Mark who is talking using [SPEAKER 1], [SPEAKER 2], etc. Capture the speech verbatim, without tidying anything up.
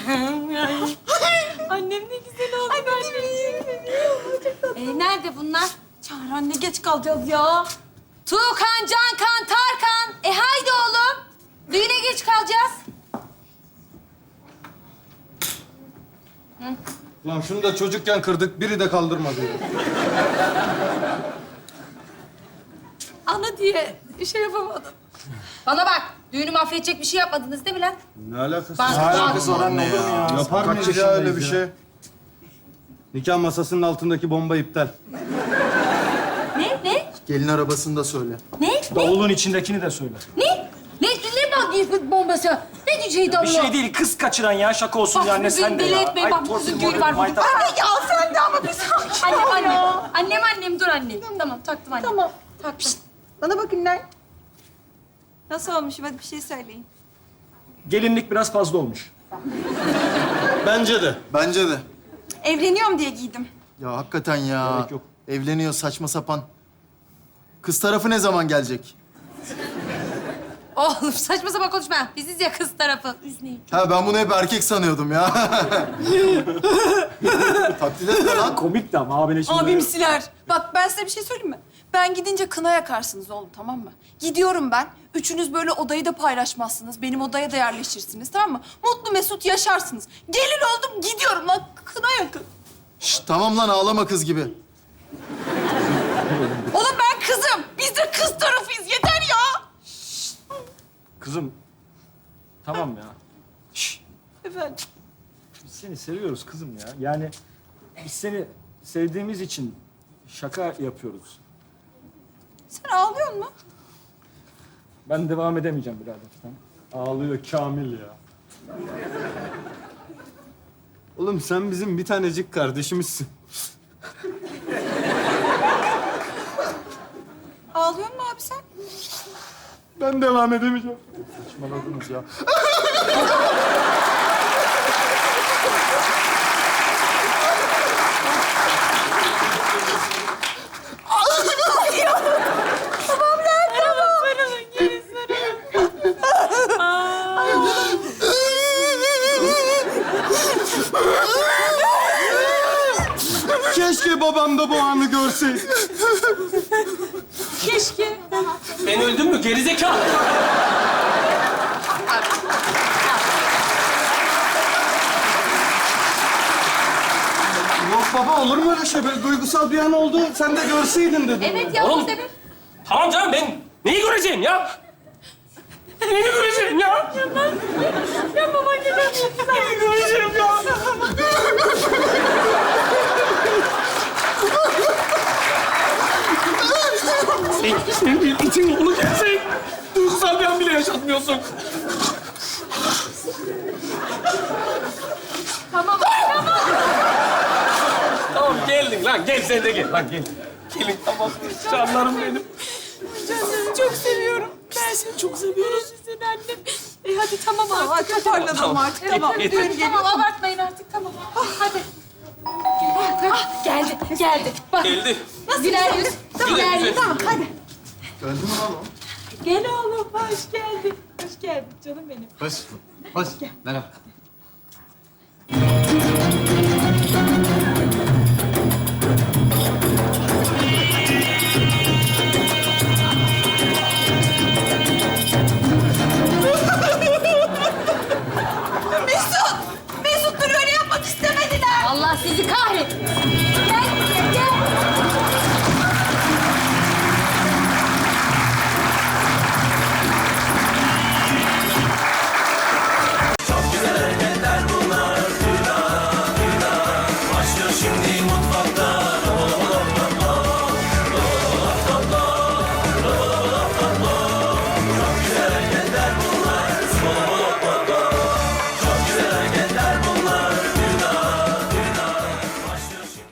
[SPEAKER 1] Annem ne güzel oldu. Anneciğim. Ee, nerede bunlar? Çağrı anne, geç kalacağız ya. Tuğkan, Cankan, Tarkan. E haydi oğlum. Düğüne geç kalacağız.
[SPEAKER 2] Lan şunu da çocukken kırdık, biri de kaldırmadı.
[SPEAKER 1] Ana diye şey yapamadım. Bana bak, düğünü mahvedecek bir şey yapmadınız değil mi lan?
[SPEAKER 2] Ne alakası
[SPEAKER 1] Bak,
[SPEAKER 2] var?
[SPEAKER 1] bak.
[SPEAKER 3] Alakası var anne ya.
[SPEAKER 2] Yapar
[SPEAKER 3] Kaç
[SPEAKER 2] mıyız ya öyle bir
[SPEAKER 3] yaşındayız
[SPEAKER 2] şey? Nikah masasının altındaki bomba iptal.
[SPEAKER 1] Ne, ne,
[SPEAKER 3] Gelin arabasını da söyle.
[SPEAKER 1] ne, ne,
[SPEAKER 4] Davulun içindekini de söyle.
[SPEAKER 1] ne? Ne, ne bak bombası? Ne diyeceğiydi Allah?
[SPEAKER 4] Bir şey değil, kız kaçıran ya. Şaka olsun
[SPEAKER 1] Bak
[SPEAKER 4] ya anne,
[SPEAKER 1] bugün
[SPEAKER 4] sen de
[SPEAKER 1] deli
[SPEAKER 4] ya.
[SPEAKER 1] etmeyin.
[SPEAKER 4] Ay,
[SPEAKER 1] Bak bu
[SPEAKER 4] torpil,
[SPEAKER 1] kızın düğünü
[SPEAKER 4] morpil,
[SPEAKER 1] var bugün.
[SPEAKER 4] maytap.
[SPEAKER 1] Anne ya sen de ama bir sakin. Annem, annem. Annem, annem. Dur anne. Tamam, taktım anne. Tamam. Taktım.
[SPEAKER 5] Bana bakın lan. Nasıl olmuş? Hadi bir şey söyleyin.
[SPEAKER 4] Gelinlik biraz fazla olmuş.
[SPEAKER 2] Bence de.
[SPEAKER 3] Bence de.
[SPEAKER 5] Evleniyorum diye giydim.
[SPEAKER 3] Ya hakikaten ya.
[SPEAKER 4] Gerek yok.
[SPEAKER 3] Evleniyor saçma sapan. Kız tarafı ne zaman gelecek?
[SPEAKER 1] Oğlum saçma sapan konuşma. Biziz ya kız tarafı. Üzmeyin.
[SPEAKER 3] Ha ben bunu hep erkek sanıyordum ya. Taklit etme lan.
[SPEAKER 4] Komik de ama abine şimdi.
[SPEAKER 5] Abimsiler. Bak ben size bir şey söyleyeyim mi? Ben gidince kına yakarsınız oğlum, tamam mı? Gidiyorum ben. Üçünüz böyle odayı da paylaşmazsınız. Benim odaya da yerleşirsiniz, tamam mı? Mutlu mesut yaşarsınız. Gelin oldum, gidiyorum lan. Kına yakın.
[SPEAKER 3] Şşt, tamam lan ağlama kız gibi.
[SPEAKER 5] Oğlum ben kızım. Biz de kız tarafıyız. Yeter ya.
[SPEAKER 4] Kızım, tamam ya.
[SPEAKER 5] Efendim.
[SPEAKER 4] Biz seni seviyoruz kızım ya. Yani biz seni sevdiğimiz için şaka yapıyoruz.
[SPEAKER 5] Sen ağlıyor musun?
[SPEAKER 4] Ben devam edemeyeceğim birader. Tamam.
[SPEAKER 2] Ağlıyor Kamil ya. Oğlum sen bizim bir tanecik kardeşimizsin.
[SPEAKER 5] Ağlıyor musun abi sen?
[SPEAKER 2] Ben devam edemeyeceğim.
[SPEAKER 3] Saçmaladınız ya.
[SPEAKER 2] Keşke babam da bu anı görseydi.
[SPEAKER 1] Keşke.
[SPEAKER 6] Ben öldüm mü gerizekalı?
[SPEAKER 2] Yok baba olur mu öyle şey? Böyle duygusal bir an oldu. Sen de görseydin dedim.
[SPEAKER 1] Evet ya,
[SPEAKER 6] Oğlum.
[SPEAKER 1] biz de bir...
[SPEAKER 6] Tamam canım ben neyi göreceğim ya? Neyi göreceğim ya?
[SPEAKER 1] Ya baban gibi.
[SPEAKER 6] Neyi göreceğim ya? sen, sen bir itin oğlu gelsen duygusal bir an bile yaşatmıyorsun.
[SPEAKER 1] Tamam, tamam.
[SPEAKER 6] Tamam geldin lan gel sen de gel lan gel. Gelin tamam canlarım benim.
[SPEAKER 1] Canım çok seviyorum. Ben seni çok seviyorum. Seni annem. E hadi tamam
[SPEAKER 5] Tamam,
[SPEAKER 1] artık.
[SPEAKER 5] hadi toparlanalım artık. Tamam.
[SPEAKER 1] Evet,
[SPEAKER 5] Düğün
[SPEAKER 1] hadi,
[SPEAKER 5] geliyor.
[SPEAKER 1] tamam abartmayın artık tamam. Hadi. Ah, geldi, geldi. Bak.
[SPEAKER 6] Geldi.
[SPEAKER 1] Güler yüz.
[SPEAKER 5] Tamam,
[SPEAKER 1] Güler yüz.
[SPEAKER 5] tamam, hadi.
[SPEAKER 3] Öldü mü lan o?
[SPEAKER 1] Gel oğlum, hoş geldin. Hoş geldin canım benim.
[SPEAKER 3] Hoş. Hoş. Merhaba.
[SPEAKER 5] Mesut! Mesut dur öyle yapmak istemediler.
[SPEAKER 1] Allah sizi kahretsin. Gel, gel.